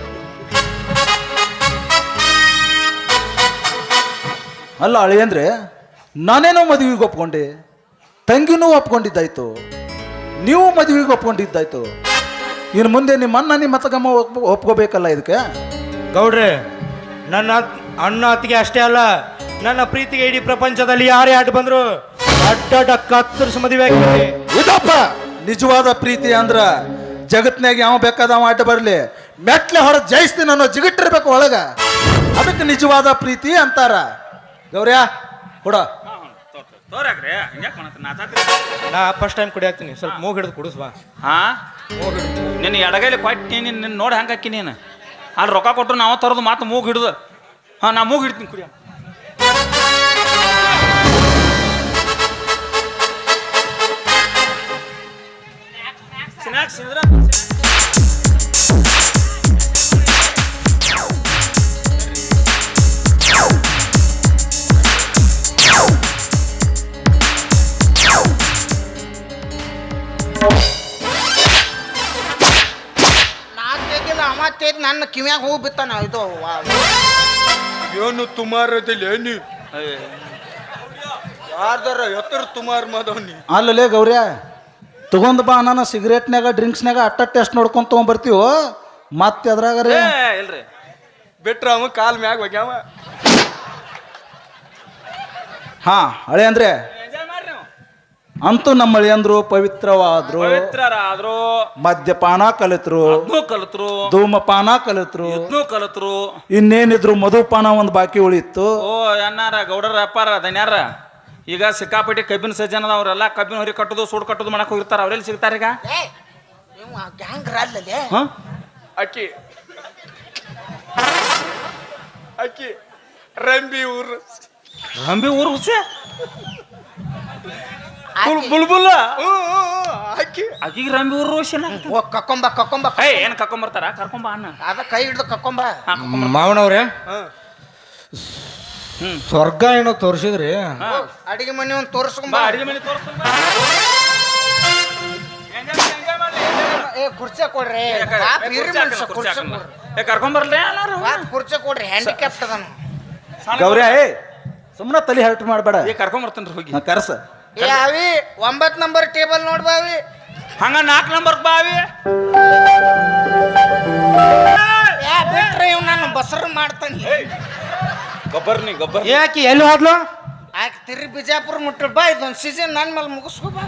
ಅಲ್ಲ ಅಳಿ ಅಂದ್ರೆ ನಾನೇನೋ ಮದುವೆಗೆ ಒಪ್ಕೊಂಡೆ, ತಂಗಿನೂ ಒಪ್ಕೊಂಡಿದ್ದಾಯ್ತು, ನೀವು ಮದುವೆಗೆ ಒಪ್ಕೊಂಡಿದ್ದಾಯ್ತು. ಇನ್ನು ಮುಂದೆ ನಿಮ್ಮ ಅಣ್ಣ ನಿಮ್ಮ ಮತ್ತಗಮ್ಮ ಒಪ್ ಒಪ್ಕೋಬೇಕಲ್ಲ ಇದಕ್ಕೆ.
ಗೌಡ್ರೆ, ನನ್ನ ಅತ್- ಅಣ್ಣ ಅತ್ತಿಗೆ ಅಷ್ಟೇ ಅಲ್ಲ, ನನ್ನ ಪ್ರೀತಿಗೆ ಇಡೀ ಪ್ರಪಂಚದಲ್ಲಿ ಯಾರೇ ಆಟ ಬಂದ್ರು ಅಡ್ಡ ಕತ್ತರಿಸಿ ಮದುವೆ ಆಗಿದೆ.
ಇದಪ್ಪ ನಿಜವಾದ ಪ್ರೀತಿ ಅಂದ್ರ ಜಗತ್ನಾಗ ಯಾವ ಬೇಕಾದ ಅವ ಅಡ್ಡ ಬರಲಿ, ಮೆಟ್ಲೆ ಹೊರ ಜಯಿಸ್ತೀನಿ ಅನ್ನೋ ಜಿಗಿಟ್ಟಿರ್ಬೇಕು ಒಳಗ. ಅದಕ್ಕೆ ನಿಜವಾದ ಪ್ರೀತಿ ಅಂತಾರ. ಗೌರ್ಯಾ ಕೊಡ.
ತೋರಾಕ್ರಿ ಹಿಂಗ್ಯಾಕೆ ಮಾಡತ್ತೀರಿ? ನಾಚಾತ್ರಿ.
ನಾ ಫಸ್ಟ್ ಟೈಮ್ ಕುಡಿಯಾಕ್ತೀನಿ, ಸ್ವಲ್ಪ ಮೂಗ್ ಹಿಡಿದು ಕುಡಿಸ್ಬಾ.
ಹಾ ನಿನ್ನ ಎಡಗೈಲಿ ಕೊಟ್ಟು ನಿನ್ನ ನಿನ್ನ ನೋಡಿ ಹೆಂಗೆ ಹಾಕಿ ನೀನು ಅಲ್ಲಿ ರೊಕ್ಕ ಕೊಟ್ಟರು ನಾವು ತರೋದು ಮಾತು ಮೂಗು ಹಿಡಿದು. ಹಾಂ ನಾ ಮೂಗು ಹಿಡ್ತೀನಿ ಕುಡಿಯ.
ನಾ ತೆಗಿಲ್ಲ, ಅವ ತೆಗ್ ನನ್ನ ಕಿವ್ಯಾಗ ಹೋಗಿ ಬಿತ್ತಾನ. ಇದು ವಾ-
ಏನು ತುಮಾರದಿಲ್ಲ ಏನು ಯಾರ್ದಾರ ಎತ್ತರ ತುಮಾರ್ ಮಾದವ್ನಿ.
ಅಲ್ಲಲೇ ಗೌರ್ಯಾ, ತಗೊಂಡ್ ಬಾ ನಾನು ಸಿಗರೇಟ್ನಾಗ ಡ್ರಿಂಕ್ಸ್ನಾಗ ಅಟ್ಟ ಟೆಸ್ಟ್ ನೋಡ್ಕೊಂಡ್ ತೊಗೊಂಬರ್ತೀವೋ ಮತ್ತೆ ಅದ್ರಾಗ
ಏ ಇಲ್ರಿ
ಬಿಟ್ರ ಅವ ಕಾಲ್ ಮ್ಯಾಗ ಹೋಗ್ಯಾವ.
ಹಾ ಹಳೆ ಅಂದ್ರೆ
ಎಂಜಾಯ್ ಮಾಡ್ರಿ ನೀವು.
ಅಂತೂ ನಮ್ಮ ಅಳಿಯಂದ್ರು ಪವಿತ್ರವಾದ್ರು,
ಪವಿತ್ರರಾದ್ರು,
ಮದ್ಯಪಾನ ಕಲಿತರು,
ಅದ್ನೂ ಕಲಿತ್ರು,
ಧೂಮಪಾನ ಕಲಿತರು,
ಇದ್ನೂ ಕಲಿತ್ರು.
ಇನ್ನೇನಿದ್ರು ಮಧುಪಾನ ಒಂದು ಬಾಕಿ ಉಳಿತ್ತು.
ಓ ಎನ್ನಾರ ಗೌಡರ ಅಪ್ಪಾರ ದನ್ಯಾರ ಈಗ ಸಿಕ್ಕಾಪಟ್ಟಿ ಕಬ್ಬಿನ ಸಜ್ಜನದ ಅವರೆಲ್ಲ ಕಬ್ಬಿನ ಹೊರಿ ಕಟ್ಟೋದು ಸೂಡು ಕಟ್ಟೋದು ಮಾಡಕ್ ಹೋಗಿರ್ತಾರ. ಅವ್ರೆಲ್ಲಿ ಸಿಗ್ತಾರ ಈಗ?
ಗ್ಯಾಂಗ್ ರಾಲ್ಲೇ
ಹ?
ಅಕ್ಕಿ ಅಕ್ಕಿ ರಂಬಿ ಊರು
ರಂಬಿ ಊರು ಹುಸೆ ಬುಲ್ಬುಲ್ಲ
ಅಕ್ಕಿ
ಆಕಿಗೆ ರಂಬಿ ಊರು ಹುಸೆನ
ಓ ಕಕ್ಕೊಂಬ ಕಕ್ಕೊಂಬ
ಏ ಏನ್ ಕರ್ಕೊಂಬರ್ತಾರ? ಕರ್ಕೊಂಬ ಅನ್ನ
ಅದ ಕೈ ಹಿಡ್ದು ಕಕ್ಕೊಂಬ.
ಮಾವನವ್ರೆ
ಹ್ಮ್
ಸ್ವರ್ಗ ಏನೋ ತೋರಿಸಿದ್ರಿ.
ಅಡಿಗೆ ಮನೆ ಒಂದು ತೋರಿಸ್ಕೊಂಬ.
ಬಾ ಅಡಿಗೆ ಮನೆ ತೋರಿಸ್ಕೊಂಡ್ ಬಾ.
ಏ ಕುರ್ಚಿ ಕೊಡ್ರಿ. ಪಾಪ ಹಿರಿ ಮನುಷ್ಯ ಕುರ್ಚಿ ಕೊಡ್ರಿ.
ಏ ಕರ್ಕೊಂಬರ್ಲಿ ಎಲ್ಲಾರು
ಪಾಪ ಕುರ್ಚಿ ಕೊಡ್ರಿ. ಹ್ಯಾಂಡಿಕ್ಯಾಪ್ಟ್ ಅದನು.
ಗೌರಿ ಏ ಸುಮ್ಮನೆ ತಲೆ ಹರಟ್ ಮಾಡಬೇಡ.
ಏ ಕರ್ಕೊಂಬರ್ತೇನ್ರಿ ಹೋಗಿ
ಕರ್ಸ.
ಏ ಅವಿ ಒಂಬತ್ ನಂಬರ್ ಟೇಬಲ್ ನೋಡ್ಬಾವಿ.
ಹಂಗ ನಾಲ್ಕು ನಂಬರ್ ಬಾವಿ
ಯಾ ಬಿಟ್ರೆ ಇವ್ ನಾನು ಬಸರು ಮಾಡ್ತಾನೆ.
ಗೊಬ್ಬರ ನೀ ಗೊಬ್ಬರ
ಯಾಕೆ ಎಲ್ಲಿ ಹೋದ್ಲು?
ಆಕೆ ತಿರ್ಗಿ ಬಿಜಾಪುರ ಮುಟ್ಟ ಬಾ. ಇದೊಂದು ಸೀಸನ್ ನನ್ನ ಮೇಲೆ ಮುಗಿಸ್ಕೊ ಬಾ.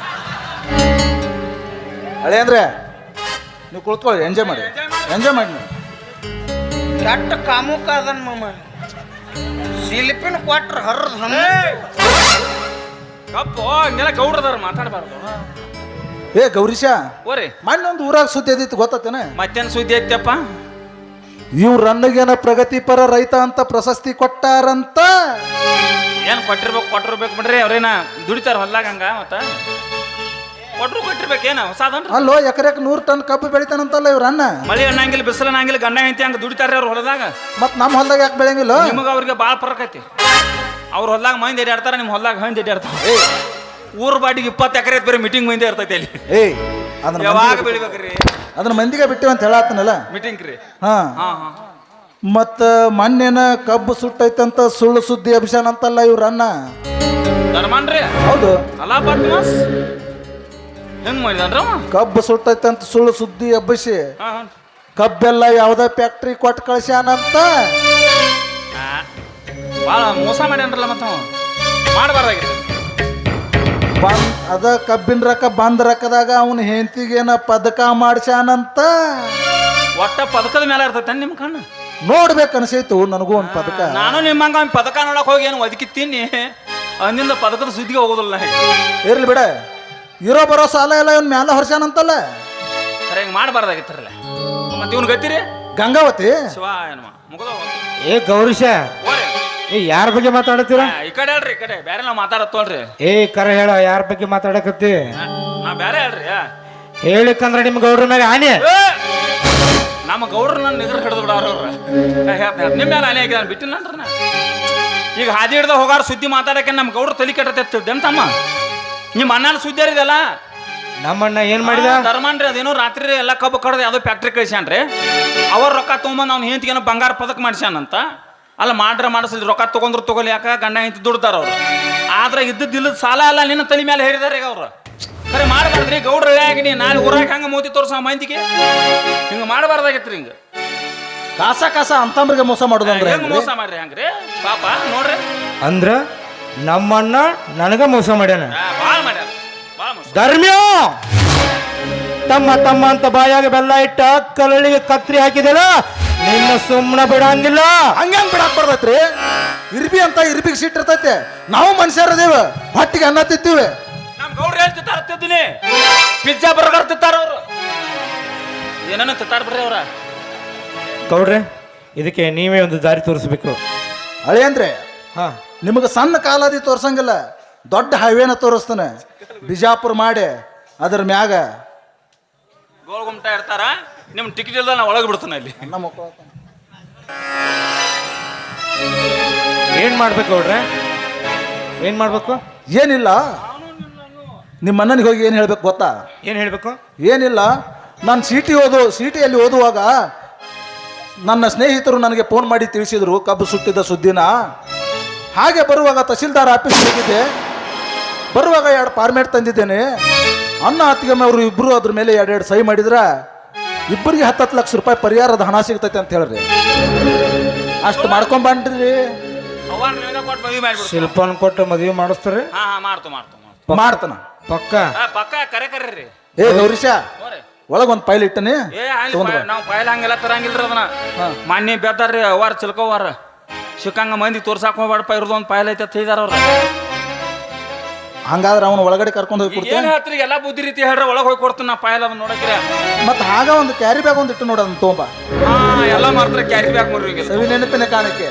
ಹಳೆ ಅಂದ್ರೆ ನೀವು ಕುಳಿತುಕೊಳ್ಳಿ, ಎಂಜಾಯ್ ಮಾಡಿ, ಎಂಜಾಯ್ ಮಾಡಿ ನೀವು.
ಕೆಟ್ಟ ಕಾಮುಕ ಅದನ್ ಮಮ್ಮ. ಸಿಲಿಪಿನ ಕೊಟ್ರ ಹರ್ದ್ ಹಣ್ಣು.
ಕಪ್ಪು ಹಂಗೆಲ್ಲ ಗೌಡ್ರದಾರ ಮಾತಾಡಬಾರ್ದು.
ಏ ಗೌರೀಶ,
ಓರಿ
ಮೊನ್ನೆ ಒಂದು ಊರಾಗ ಸುದ್ದಿ ಎದ್ದಿತ್ತು ಗೊತ್ತೇನ?
ಮತ್ತೇನ್ ಸುದ್ದಿ ಐತಪ್ಪ?
ಇವ್ ರನ್ನಗೇನ ಪ್ರಗತಿಪರ ರೈತ ಅಂತ ಪ್ರಶಸ್ತಿ ಕೊಟ್ಟಾರಂತ.
ಏನ್ ಕೊಟ್ಟಿರ್ಬೇಕು ಕೊಟ್ಟಿರ್ಬೇಕು ಬಿಡ್ರಿ. ಅವ್ರೇನ ದುಡಿತಾರ ಹೊಲ್ದಾಗ ಹಂಗ ಮತ್ತ ಕೊಟ್ರು ಕೊಟ್ಟಿರ್ಬೇಕೇನ ಹೊಸಾದನ್ರಿ.
ಅಲ್ಲೋ ಎಕರೆಕ್ ನೂರ್ ಟನ್ ಕಬ್ಬು ಬೆಳಿತಾನಂತಲ್ಲ ಇವ್ರ ಅನ್ನ.
ಮಳಿ ಅನ್ನಂಗಿಲ್ಲ ಬಿಸಿಲು ಅನ್ನಂಗಿಲ್ಲ ಗಂಡ ಹೆಂಡತಿ ಹಂಗ ದುಡಿತಾರ ಅವ್ರ ಹೊಲದಾಗ.
ಮತ್ ನಮ್ಮ ಹೊಲ್ದಾಗ ಯಾಕೆ ಬೆಳೆಯಂಗಿಲ್ಲ?
ನಿಮಗ ಅವ್ರಿಗೆ ಭಾಳ ಫರಕ್ ಐತಿ. ಅವ್ರ ಹೊಲ್ದಾಗ ಮಂದಿ ಎಡ್ಯಾಡ್ತಾರ, ನಿಮ್ ಹೊಲ್ದಾಗ ಹಂದಿ ಎಡ್ಯಾಡ್ತಾರ. ಊರ್ ಬಾಡಿಗೆ ಇಪ್ಪತ್ತು ಎಕರೆ ಬೇರೆ ಮೀಟಿಂಗ್ ಮಂದಿ ಇರ್ತೈತಿ ಅಲ್ಲಿ.
ಏಯ್ ಅದನ್ನ
ಯಾವಾಗ
ಮಂದಿಗೆ-
ಬೆಳಿಬೇಕ್ರಿ
ಅದನ್ನ ಮಂದಿಗೆ ಬಿಟ್ಟಿವ ಅಂತ ಹೇಳತ್ತನಲ್ಲ.
ಮೀಟಿಂಗ್ ರೀ?
ಹಾ
ಹಾ ಹಾ
ಮತ್ತ ಮೊನ್ನೆನ ಕಬ್ಬು ಸುಟ್ಟೈತಂತ ಸುಳ್ಳು ಸುದ್ದಿ ಅಭಿಷಾನ್ ಅಂತಲ್ಲ ಇವ್ರ ಅನ್ನ.
ಧರ್ಮನ್ರಿ
ಹೌದು,
ಅಲಾಬಾದ್ ಮಾಸ್ ಹೆಂಗ್ ಮಾಡಿದನ್ರ?
ಕಬ್ಬು ಸುಟ್ಟೈತಂತ ಸುಳ್ಳು ಸುದ್ದಿ ಹಬ್ಬಿಸಿ
ಹಾ ಹಾ
ಕಬ್ಬೆಲ್ಲ ಯಾವ್ದ ಫ್ಯಾಕ್ಟ್ರಿ ಕೊಟ್ಟು ಕಳ್ಸ್ಯಾನಂತ.
ಭಾಳ ಮೋಸ ಮಾಡ್ಯಾನ್ರಲ್ಲ ಮತ್ತ ಮಾಡಬಾರ್ದಾಗಿತ್ತು.
ಬಂದ್ ಅದ ಕಬ್ಬಿನ ರೊಕ್ಕ ಬಂದ್ ರೊಕ್ಕದಾಗ ಅವನ ಹೆಂಡತಿಗೇನ ಪದಕ ಮಾಡ್ಸ್ಯಾನಂತ.
ಒಟ್ಟ ಪದಕದ ಮೇಲೆ ಇರ್ತೈತೆ ನಿಮ್ ಕಣ್ಣು.
ನೋಡ್ಬೇಕು ಅನ್ಸೈತು ನನಗೂ ಒಂದ್ ಪದಕ.
ನಾನು ನಿಮ್ಮಂಗ ಒಂದ್ ಪದಕ ನೋಡಕ್ ಹೋಗಿ ಏನು ಒದಕಿತ್ತೀನಿ ಅಂದಿಂದ ಪದಕದ ಸುದ್ದಿಗೆ ಹೋಗೋದಿಲ್ಲ.
ಇರ್ಲಿ ಬಿಡ, ಇರೋ ಬರೋ ಸಾಲ ಎಲ್ಲ ಇವನ್ ಮ್ಯಾಲ ಹೊರ್ಸ್ಯಾನಂತಲ್ಲ.
ಖರೆ ಹಿಂಗೆ ಮಾಡಬಾರ್ದಾಗಿತ್ತಾರಲ್ಲ. ಮತ್ತೆ ಇವ್ನು ಗತ್ತಿರಿ
ಗಂಗಾವತಿ
ಶಿವ ಏನಮ್ಮ ಮುಗದ
ಏ ಗೌರೀಶ, ಏ ಯಾರ ಬಗ್ಗೆ ಮಾತಾಡತ್ತೀರ?
ಈ ಕಡೆ ಹೇಳ್ರಿ, ಈ ಕಡೆ ಬೇರೆ ನಾವು ಮಾತಾಡತ್ತೋಳ್ರಿ.
ಏ ಕರೆ ಹೇಳ, ಯಾರ ಬಗ್ಗೆ ಮಾತಾಡಕತ್ತಿ?
ನಾ ಬೇರೆ ಹೇಳ್ರಿ.
ಹೇಳಿಕಂದ್ರ ನಿಮ್ ಗೌಡ್ರ ಮ್ಯಾಗ ಆನೆ.
ನಮ್ಮ ಗೌಡ್ರ ನನ್ನ ನಿಗ್ರ ಹಿಡಿದು ಬಿಡವ್ರ ಅವ್ರ. ನಿಮ್ಮ ಮೇಲೆ ಆನೆ ಆಗಿದೆ ಬಿಟ್ಟಿಲ್ಲನ್ರಿ ನಾ. ಈಗ ಹಾದಿ ಹಿಡ್ದ ಹೋಗಾರ ಸುದ್ದಿ ಮಾತಾಡಕ್ಕೆ ನಮ್ಮ ಗೌಡ್ರ ತಲೆ ಕೆಟ್ಟತ್ತೆ ಅಂತಮ್ಮ. ನಿಮ್ಮ ಅಣ್ಣನ ಸುದ್ದಿ ಅರಿದಲ್ಲ
ನಮ್ಮಣ್ಣ ಏನ್ ಮಾಡಿದ?
ಧರ್ಮನ್ರಿ ಅದೇನೋ ರಾತ್ರಿ ಎಲ್ಲ ಕಬ್ಬು ಕಡ್ದು ಯಾವುದೋ ಫ್ಯಾಕ್ಟ್ರಿ ಕಳಿಸ್ಯಾನ್ರಿ. ಅವ್ರ ರೊಕ್ಕ ತೊಗೊಂಬಂದು ಅವ್ನ ಹೆಂಡತಿಗೇನೋ ಬಂಗಾರ ಪದಕ ಮಾಡ್ಸ್ಯಾನಂತ. ಅಲ್ಲ ಮಾಡ್ರ ಮಾಡಿಸಲಿ, ರೊಕ್ಕ ತೊಗೊಂಡ್ರು ತಗೊಳ್ಳಿ, ಯಾಕ ಗಂಡ ಹೆಂಡತಿ ದುಡ್ತಾರ ಅವ್ರು. ಆದ್ರೆ ಇದ್ದದಿಲ್ಲದ ಸಾಲ ಎಲ್ಲ ನಿನ್ನ ತಲೆ ಮೇಲೆ ಹೇರಿದಾರೆ ಈಗ ಅವ್ರು. ಖರೆ ಮಾಡಬಾರ್ದ್ರಿ ಗೌಡ್ರ ಹೇಗೆ ನೀ ನಾಳೆ ಊರಾಗ ಹಂಗೆ ಮೋತಿ ತೋರ್ಸ ಮಂದಿಗೆ ಹಿಂಗೆ ಮಾಡಬಾರ್ದಾಗಿತ್ರಿ. ಹಿಂಗೆ
ಕಾಸ ಕಾಸ ಅಂತಂಬ್ರಿಗೆ ಮೋಸ ಮಾಡೋದಂದ್ರೆ
ಹೆಂಗ್ ಮೋಸ ಮಾಡ್ರಿ ಹಂಗ್ರಿ ಪಾಪ ನೋಡ್ರಿ.
ಅಂದ್ರ ನಮ್ಮಣ್ಣ ನನಗ ಮೋಸ ಮಾಡ್ಯಾನ.
ಭಾಳ ಮಾಡ್ಯಾರ, ಭಾಳ ಮೋಸ.
ಧರ್ಮ್ಯ ತಮ್ಮ ತಮ್ಮ ಅಂತ ಬಾಯಾಗ ಬೆಲ್ಲ ಇಟ್ಟ ಕಲ್ಲಿಗೆ ಕತ್ರಿ ಹಾಕಿದೆಲ್ಲ ನಿನ್ನ ಸುಮ್ಮನ ಬಿಡಂಗಿಲ್ಲ.
ಹಂಗ್ಯಾಂಗ್ ಬಿಡಾಕ್ ಬರ್ತೈತ್ರಿ? ಇರ್ಬಿ ಅಂತ ಇರ್ಬಿಗೆ ಸಿಟ್ ಇರ್ತೈತೆ. ನಾವು ಮನುಷ್ಯರದೇವ, ಹೊಟ್ಟಿಗೆ ಅನ್ನ ತಿಂತೀವಿ.
ನಮ್ ಗೌಡ್ರು ಹೇಳಿ ತಿತ್ತಾರ ತಿದ್ದೀನಿ, ಪಿಜ್ಜಾ ಬರ್ಗರ್ ತಿತ್ತಾರ ಅವ್ರು, ಏನೇನೋ ತಿತ್ತಾರ ಬಿಡ್ರಿ ಅವ್ರ.
ಗೌಡ್ರೆ, ಇದಕ್ಕೆ ನೀವೇ ಒಂದು ದಾರಿ ತೋರಿಸ್ಬೇಕು.
ಹಳೆ ಅಂದ್ರೆ
ಹಾ,
ನಿಮಗೆ ಸಣ್ಣ ಕಾಲಾದಿ ತೋರ್ಸಂಗಿಲ್ಲ, ದೊಡ್ಡ ಹೈವೇನ ತೋರಿಸ್ತಾನೆ. ಬಿಜಾಪುರ ಮಾಡಿ ಅದ್ರ ಮ್ಯಾಗ
ಗೋಲ್ ಗುಮ್ಟ ಇರ್ತಾರ. ನಿಮ್ ಟಿಕೆಟ್ ಇಲ್ದ ನಾ ಒಳಗೆ ಬಿಡ್ತಾನೆ ಅಲ್ಲಿ.
ನಮ್ಮ
ಏನ್ ಮಾಡ್ಬೇಕು ಗೌಡ್ರೆ? ಏನ್ ಮಾಡ್ಬೇಕು?
ಏನಿಲ್ಲ, ನಿಮ್ಮ ಅಣ್ಣನಿಗೆ ಹೋಗಿ ಏನು ಹೇಳ್ಬೇಕು ಗೊತ್ತಾ?
ಏನ್ ಹೇಳ್ಬೇಕು?
ಏನಿಲ್ಲ, ನಾನು ಸಿಟಿ ಓದು ಸಿಟಿಯಲ್ಲಿ ಓದುವಾಗ ನನ್ನ ಸ್ನೇಹಿತರು ನನಗೆ ಫೋನ್ ಮಾಡಿ ತಿಳಿಸಿದ್ರು ಕಬ್ಬು ಸುಟ್ಟಿದ್ದ ಸುದ್ದಿನ. ಹಾಗೆ ಬರುವಾಗ ತಹಸೀಲ್ದಾರ್ ಆಫೀಸ್ ಹೋಗಿದ್ದೆ. ಬರುವಾಗ ಎರಡು ಫಾರ್ಮೇಟ್ ತಂದಿದ್ದೇನೆ. ಅಣ್ಣ ಅತ್ತಿಗೆ ಅವರು ಇಬ್ಬರು ಅದ್ರ ಮೇಲೆ ಎರಡೆರಡು ಸಹಿ ಮಾಡಿದ್ರ ಇಬ್ಬರಿಗೆ ಹತ್ತು ಹತ್ತು ಲಕ್ಷ ರೂಪಾಯಿ ಪರಿಹಾರದ ಹಣ ಸಿಗ್ತೈತೆ ಅಂತ ಹೇಳ್ರಿ. ಅಷ್ಟು ಮಾಡ್ಕೊಂಬಂಡ್ರಿ.
ಅವ್ವಾರ ನಿನಗ ಕೊಟ್ಟು ಮದುವೆ ಮಾಡ್ಬಿಡ್ತು.
ಶಿಲ್ಪನ್ ಕೊಟ್ಟು ಮದುವೆ ಮಾಡಿಸ್ತಾರೆ.
ಹಾ ಹಾ ಮಾಡ್ತು ಮಾಡ್ತು ಮಾಡ್ತು
ಮಾಡ್ತಾನ
ಪಕ್ಕ
ಆ, ಪಕ್ಕ ಕರೆ ಕರೆ ರೀ
ಏ ಗೌರೀಶ
ಹೋರಿ.
ಒಳಗ್ ಒಂದ್ ಪೈಲ್ ಇಟ್ಟನೆ
ಏ ಹಂಗೆ ನಾವು ಪೈಲ ಹಂಗೆಲ್ಲ ತರಂಗಿಲ್ರಿ ಅದನ್ನ ಮಾನ್ಯ ಬೇದಾರ್ರಿ ಅವಾರ ಚಿಲ್ಕೋವಾರ ಸಿಕ್ಕಂಗ ಮಂದಿ ತೋರ್ಸಾಕ್ ಹೋಗ್ಬೇಡಪ್ಪ ಇರೋದು ಒಂದು ಪೈಲ್ ಐತೆ ಇದಾರ ಅವ್ರ
ಹಂಗಾದ್ರೆ ಅವನು ಒಳಗಡೆ ಕರ್ಕೊಂಡು ಹೋಗಿ
ಏನ್
ಕೊಡ್ತೀನಿ
ಹೇಳ್ತೀರಿ ಎಲ್ಲಾ ಬುದ್ಧಿ ರೀತಿ ಹೇಳ್ರಿ ಒಳಗೆ ಹೋಗಿ ಕೊಡ್ತೀನಿ ನಾ ಪೈಲ್ ಅದನ್ನ ನೋಡಕ್ರಿ
ಮತ್ತ ಆಗ ಒಂದು ಕ್ಯಾರಿ ಬ್ಯಾಗ್ ಒಂದು ಇಟ್ಟು ನೋಡೋಣ ತೋಂಬ
ಹಾ ಎಲ್ಲ ಮಾಡ್ತಾರೆ ಕ್ಯಾರಿ ಬ್ಯಾಗ್ ಮುರಿಗಿಲ್ಲ
ಸವಿ ನೆನಪಿನ ಕಾರಣಕ್ಕೆ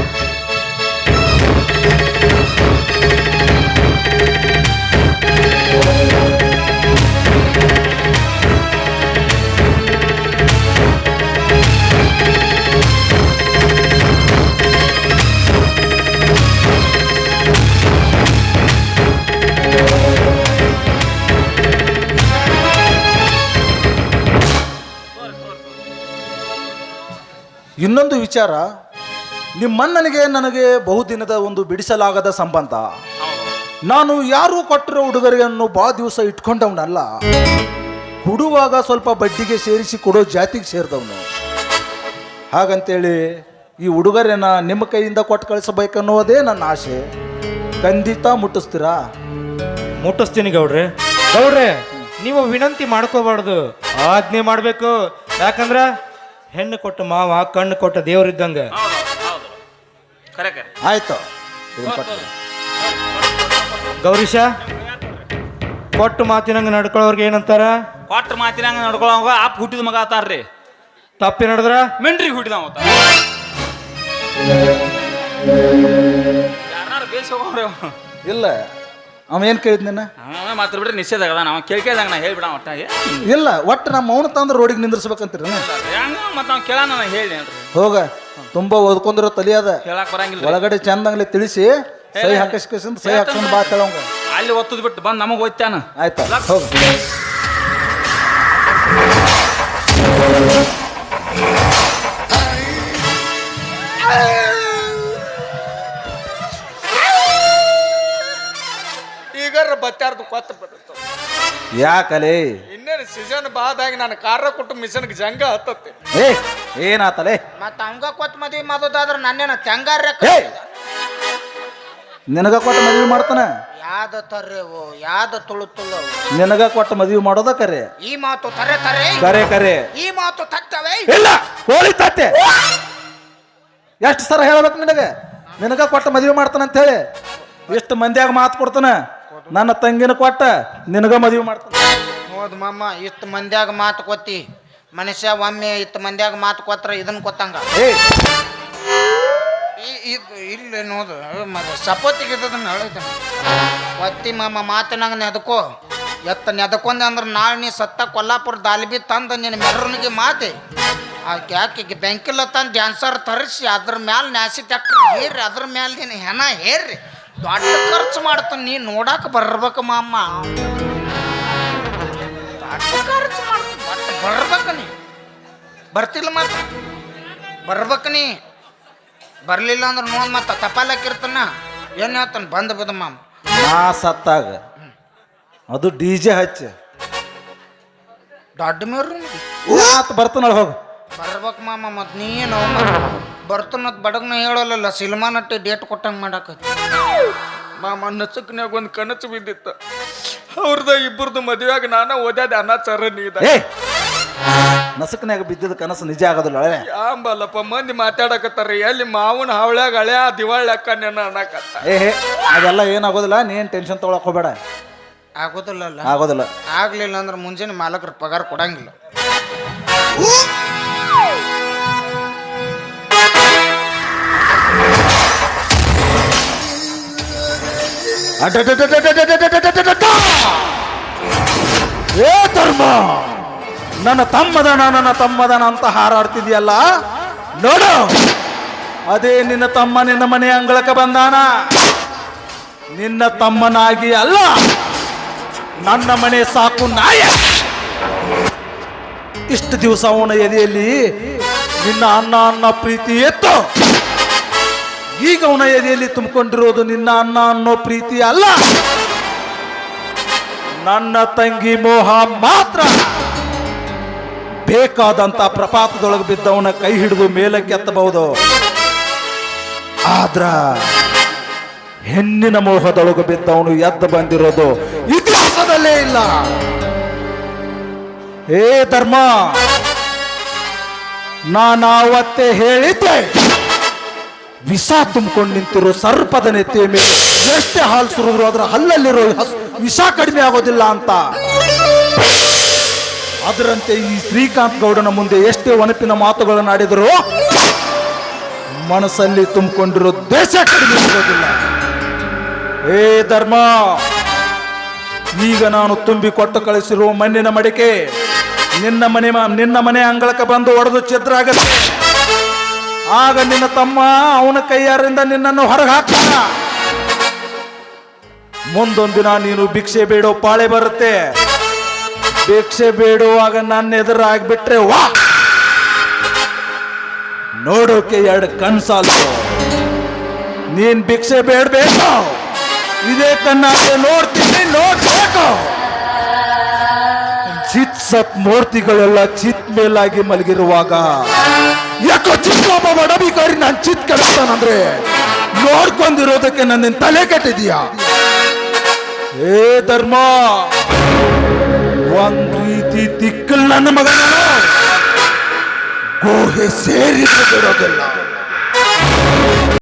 ಇನ್ನೊಂದು ವಿಚಾರ ನಿಮ್ಮಣ್ಣನಿಗೆ ನನಗೆ ಬಹುದಿನದ ಒಂದು ಬಿಡಿಸಲಾಗದ ಸಂಬಂಧ. ನಾನು ಯಾರು ಕೊಟ್ಟಿರೋ ಉಡುಗೊರೆಯನ್ನು ಬಹಳ ದಿವಸ ಇಟ್ಕೊಂಡವನಲ್ಲ, ಕೊಡುವಾಗ ಸ್ವಲ್ಪ ಬಡ್ಡಿಗೆ ಸೇರಿಸಿ ಕೊಡೋ ಜಾತಿಗೆ ಸೇರಿದವನು. ಹಾಗಂತೇಳಿ ಈ ಉಡುಗೊರೆನ ನಿಮ್ಮ ಕೈಯಿಂದ ಕೊಟ್ಟು ಕಳಿಸಬೇಕನ್ನೋದೇ ನನ್ನ ಆಸೆ. ಖಂಡಿತ ಮುಟ್ಟಿಸ್ತೀರಾ?
ಮುಟ್ಟಿಸ್ತೀನಿ ಗೌಡ್ರೆ. ಗೌಡ್ರೆ ನೀವು ವಿನಂತಿ ಮಾಡ್ಕೋಬಾರ್ದು, ಆಜ್ಞೆ ಮಾಡಬೇಕು. ಯಾಕಂದ್ರ ಹೆಣ್ಣು ಕೊಟ್ಟ ಮಾವ ಕಣ್ಣು ಕೊಟ್ಟ ದೇವ್ರಿದ್ದಂಗ.
ಕರೆ ಕರೆ
ಆಯ್ತು.
ಗೌರೀಶ, ಕೊಟ್ಟು ಮಾತಿನಂಗ ನಡ್ಕೊಳ್ಳೋರ್ಗೆ ಏನಂತಾರ?
ಕೊಟ್ಟ ಮಾತಿನಂಗ ನಡ್ಕೊಳಂಗ ಆಪ್ ಹುಟ್ಟಿದ ಮಗ ಆತಾರ್ರಿ.
ತಪ್ಪಿ ನಡೆದ್ರ
ಮೆಂಡ್ರಿಗೆ ಹುಟ್ಟಿದವ ಯಾರು ಬೇಸ್ ಹೋಗ್ರಿ
ಇಲ್ಲ, ಅವ ಏನ್ ಕೇಳಿದ್ ನಿನ್ನ?
ಮಾತ್ರ ಬಿಡ್ರಿ ನಿಷೇಧ ಅದ ನಾವು ಕೇಳ್ಕೇಳ್ದಂಗ ನಾ ಹೇಳ್ಬಿಡ ಒಟ್ಟಾಗಿ
ಇಲ್ಲ, ಒಟ್ಟು ನಮ್ಮ ಮೌನ ತಂದ್ರೆ ರೋಡಿಗೆ ನಿಂದ್ರಿಸ್ಬೇಕಂತೀರ?
ಹೆಂಗ ಮತ್ತ ನಾವು ಕೇಳೋಣ ನಾ ಹೇಳಿ
ಹೋಗ, ತುಂಬಾ ಓದ್ಕೊಂಡಿರೋ ತಲಿ ಅದ,
ಕೇಳಾಕ್ ಬರಂಗಿಲ್ಲ.
ಒಳಗಡೆ ಚಂದಂಗ್ಲಿ ತಿಳಿಸಿ ಸೈ ಹಾಕಿಸ್ಕೊಂಡ್ ಸೈ ಹಾಕ್ಸ್ಕೊಂಡ್ ಬಾ ಕೇಳೋಂಗ.
ಅಲ್ಲಿ ಒತ್ತದ್ ಬಿಟ್ಟು ಬಂದ್ ನಮಗ್ ಓದ್ತಾನ.
ಆಯ್ತಾ, ಹೋಗ.
ಈಗಾರ ಬತ್ತಾರ್ದು ಕೊತ್ತ ಬರುತ್ತೆ.
ಯಾಕಲೇ?
ಇನ್ನೇನು ಸೀಸನ್ ಬಾದಾಗಿ ನಾನು ಕಾರ ಕೊಟ್ಟು ಮಿಷನ್ಗೆ ಜಂಗ ಹತ್ತತ್ತೆ.
ಏ ಏನಾತಲೇ?
ಮತ್ತ ಹಂಗ ಕೊತ್ ಮದ್ವಿ ಮಾಡೋದಾದ್ರ ನನ್ನೇನ ತೆಂಗಾರ
ಏ ನಿನಗ ಕೊಟ್ಟು ಮದ್ವಿ ಮಾಡ್ತಾನ?
ಯಾದ ತರ್ರೆವು ಯಾದ ತುಳು ತುಳು
ನಿನಗ ಕೊಟ್ಟು ಮದ್ವಿ ಮಾಡೋದ ಕರೆ?
ಈ ಮಾತು ತರೆ ತರೆ
ಕರೆ ಕರೆ
ಈ ಮಾತು ತಟ್ಟವೆ.
ಇಲ್ಲ, ಕೋಳಿ ತಾತೆ. ಎಷ್ಟು ಸರ ಹೇಳ್ಬೇಕು ನಿನಗೆ? ನಿನಗ ಕೊಟ್ಟು ಮದ್ವಿ ಮಾಡ್ತಾನ ಅಂತ ಹೇಳಿ ಎಷ್ಟು ಮಂದಿಯಾಗ ಮಾತು ಕೊಡ್ತಾನ? ನನ್ನ ತಂಗಿನ ಕೊಟ್ಟ ನಿನಗ ಮದ್ವಿ ಮಾಡ್ತಾನ.
ಹೌದು ಮಾಮ, ಇಷ್ಟು ಮಂದ್ಯಾಗ ಮಾತು ಕೊತ್ತಿ ಮನುಷ್ಯ ಒಮ್ಮೆ ಇಷ್ಟು ಮಂದ್ಯಾಗ ಮಾತು ಕೊತ್ರ ಇದನ್ನ ಕೊತ್ತಂಗ.
ಏ
ಇದು ಇಲ್ಲ ನೋದು ಮತ್ತೆ ಸಪೋತಿಗೆ ಇದನ್ನ ಹೇಳಿದ್ದಾನೆ ಒತ್ತಿ ಮಾಮ ಮಾತಿನಾಗ ನೆದಕೋ ಎತ್ತ ನೆದಕೊಂಡೆ ಅಂದ್ರೆ ನಾಳೆ ನೀ ಸತ್ತ ಕೊಲ್ಲಾಪುರ ದಾಲ್ಬಿ ತಂದು ನಿನ್ನ ಮೆರವಣಿಗೆ ಮಾತೆ ಆ ಯಾಕೆ ಬೆಂಕಿಲ್ಲ ತಂದು ಡ್ಯಾನ್ಸರ್ ತರಿಸಿ ಅದ್ರ ಮ್ಯಾಲೆ ನ್ಯಾಸಿ ಟ್ಯಾಕ್ಟ್ರ್ ಹೇರ್ರಿ, ಅದ್ರ ಮ್ಯಾಲೆ ನೀನು ಹೆಣ ಹೇರ್ರಿ, ದೊಡ್ಡ ಖರ್ಚು ಮಾಡ್ತಾನೆ. ನೀ ನೋಡಕ್ಕೆ ಬರ್ಬೇಕು ಮಾಮ, ದೊಡ್ಡ ಖರ್ಚು ಮಾಡ್ತಾನೆ. ಒಟ್ಟು ಬರ್ಬೇಕ ನೀ ಬರ್ತಿಲ್ಲ ಮತ್ತೆ ಬರ್ಬೇಕು ನೀ. ಬರ್ಲಿಲ್ಲ ಅಂದ್ರೆ ನೋಡ್ ಮತ್ತೆ ತಪಾಲಾಕಿರ್ತಾನ ಏನು ಹೇಳ್ತಾನೆ ಬಂದು ಬಿದ ಮಾಮ.
ನಾ ಸತ್ತಾಗ ಅದು ಡಿ ಜೆ ಹಚ್ಚಿ
ದೊಡ್ಡ ಮೇರು
ಆತ್ ಬರ್ತಾನಳ, ಹೋಗು.
ಬರ್ಬೇಕು ಮಾಮ. ಮತ್ತು ನೀನು ಬರ್ತಾನತ್ ಬಡಗ್ನ ಹೇಳೋಲ್ಲ, ಸಿನಿಮಾ ನಟ್ಟಿ ಡೇಟ್ ಕೊಟ್ಟಂಗೆ ಮಾಡಾಕತ್ತಿ
ಮಾಮ ನಚಕ್ನ್ಯಾಗ ಒಂದು ಕನಸು ಬಿದ್ದಿತ್ತು. ಅವ್ರದ ಇಬ್ಬರದು ಮದುವೆಯಾಗ ನಾನು ಓದ್ಯಾದ ಅನಾಚಾರ ನೀದ.
ಏ ನಸಕ್ನ್ಯಾಗ ಬಿದ್ದಿದ್ದ ಕನಸು ನಿಜ ಆಗೋದಿಲ್ಲ.
ಯಾಂಬಲ್ಲಪ್ಪ ಮಂದಿ ಮಾತಾಡಕತ್ತಾರ ಎಲ್ಲಿ ಮಾವನ ಹಾವಳ್ಯಾಗ ಹಳೆ ದಿವಾಳಿ ಅಕ್ಕ ನೆನ ಅನ್ನಕತ್ತ.
ಏ ಹೇ ಅದೆಲ್ಲ ಏನಾಗೋದಿಲ್ಲ, ನೀನ್ ಟೆನ್ಷನ್ ತಗೊಳಕ್ ಹೋಗ್ಬೇಡ.
ಆಗೋದಿಲ್ಲ
ಆಗೋದಿಲ್ಲ.
ಆಗ್ಲಿಲ್ಲ ಅಂದ್ರೆ ಮುಂಜಾನೆ ಮಾಲಕರು ಪಗಾರ ಕೊಡಂಗಿಲ್ಲ.
ಏ ಧರ್ಮ, ನನ್ನ ತಮ್ಮದನ ನನ್ನ ತಮ್ಮದನ ಅಂತ ಹಾರಾಡ್ತಿದ್ಯಲ್ಲ ನೋಡು, ಅದೇ ನಿನ್ನ ತಮ್ಮ ನಿನ್ನ ಮನೆ ಅಂಗಳಕ್ಕೆ ಬಂದಾನ. ನಿನ್ನ ತಮ್ಮನಾಗಿ ಅಲ್ಲ, ನನ್ನ ಮನೆ ಸಾಕು ನಾಯ. ಇಷ್ಟು ದಿವಸ ಅವನ ಎದೆಯಲ್ಲಿ ನಿನ್ನ ಅನ್ನ ಅನ್ನ ಪ್ರೀತಿ ಎತ್ತು, ಈಗ ಅವನ ಎದೆಯಲ್ಲಿ ತುಂಬಿಕೊಂಡಿರೋದು ನಿನ್ನ ಅನ್ನ ಅನ್ನೋ ಪ್ರೀತಿ ಅಲ್ಲ, ನನ್ನ ತಂಗಿ ಮೋಹ ಮಾತ್ರ. ಬೇಕಾದಂತ ಪ್ರಪಾತದೊಳಗೆ ಬಿದ್ದವನ ಕೈ ಹಿಡಿದು ಮೇಲಕ್ಕೆ ಎತ್ತಬಹುದು, ಆದ್ರ ಹೆಣ್ಣಿನ ಮೋಹದೊಳಗೆ ಬಿದ್ದವನು ಎದ್ದು ಬಂದಿರೋದು ಇತಿಹಾಸದಲ್ಲೇ ಇಲ್ಲ. ಏ ಧರ್ಮ, ನಾನಾವತ್ತೇ ಹೇಳಿದ್ದೆ, ವಿಷ ತುಂಬಿಕೊಂಡು ನಿಂತಿರೋ ಸರ್ಪದ ನೆತ್ತಿಯ ಮೇಲೆ ಎಷ್ಟೇ ಹಾಲು ಸುರಿದ್ರು ಅದರ ಹಲ್ಲಲ್ಲಿರೋ ಹಸ್- ವಿಷ ಕಡಿಮೆ ಆಗೋದಿಲ್ಲ ಅಂತ. ಅದರಂತೆ ಈ ಶ್ರೀಕಾಂತ್ ಗೌಡನ ಮುಂದೆ ಎಷ್ಟೇ ಒನಪಿನ ಮಾತುಗಳನ್ನು ಆಡಿದರೂ ಮನಸ್ಸಲ್ಲಿ ತುಂಬಿಕೊಂಡಿರೋ ದೇಶ ಕಡಿಮೆ ಆಗೋದಿಲ್ಲ. ಏ ಧರ್ಮ, ಈಗ ನಾನು ತುಂಬಿ ಕೊಟ್ಟು ಕಳಿಸಿರುವ ಮಣ್ಣಿನ ಮಡಿಕೆ ನಿನ್ನ ಮನೆ ನಿನ್ನ ಮನೆ ಅಂಗಳಕ್ಕೆ ಬಂದು ಒಡೆದು ಛಿದ್ರ ಆಗತ್ತೆ. ಆಗ ನಿನ್ನ ತಮ್ಮ ಅವನ ಕೈಯಾರಿಂದ ನಿನ್ನನ್ನು ಹೊರಗೆ ಹಾಕ್ತಾನ. ಮುಂದೊಂದಿನ ನೀನು ಭಿಕ್ಷೆ ಬೇಡೋ ಪಾಳೆ ಬರುತ್ತೆ. ಭಿಕ್ಷೆ ಬೇಡುವಾಗ ನನ್ನ ಎದುರಾಗ್ಬಿಟ್ರೆ ವಾ, ನೋಡೋಕೆ ಎರಡು ಕನ್ಸಾಲು. ನೀನ್ ಭಿಕ್ಷೆ ಬೇಡಬೇಕು, ಇದೇ ಕಣ್ಣಾಗೆ ನೋಡ್ತೀನಿ, ನೋಡ್ಬೇಕು. ಚಿತ್ ಸತ್ ಮೂರ್ತಿಗಳೆಲ್ಲ ಚಿತ್ ಮೇಲಾಗಿ ಮಲಗಿರುವಾಗ ಯಾಕೋ ಚಿಕ್ಕ ಬಡಬಿಕಾರಿ ನಾನು ಚಿತ್ ಕಳಿಸ್ತಾನಂದ್ರೆ ನೋಡ್ಕೊಂಡಿರೋದಕ್ಕೆ ನನ್ನ ತಲೆ ಕೆಟ್ಟಿದೀಯ. ಏ ಧರ್ಮ, ಒಂದ್ ರೀತಿ ತಿಕ್ಕಲ್ ನನ್ನ ಮಗನ ಗೋಹೆ ಸೇರಿರೋದಿಲ್ಲ.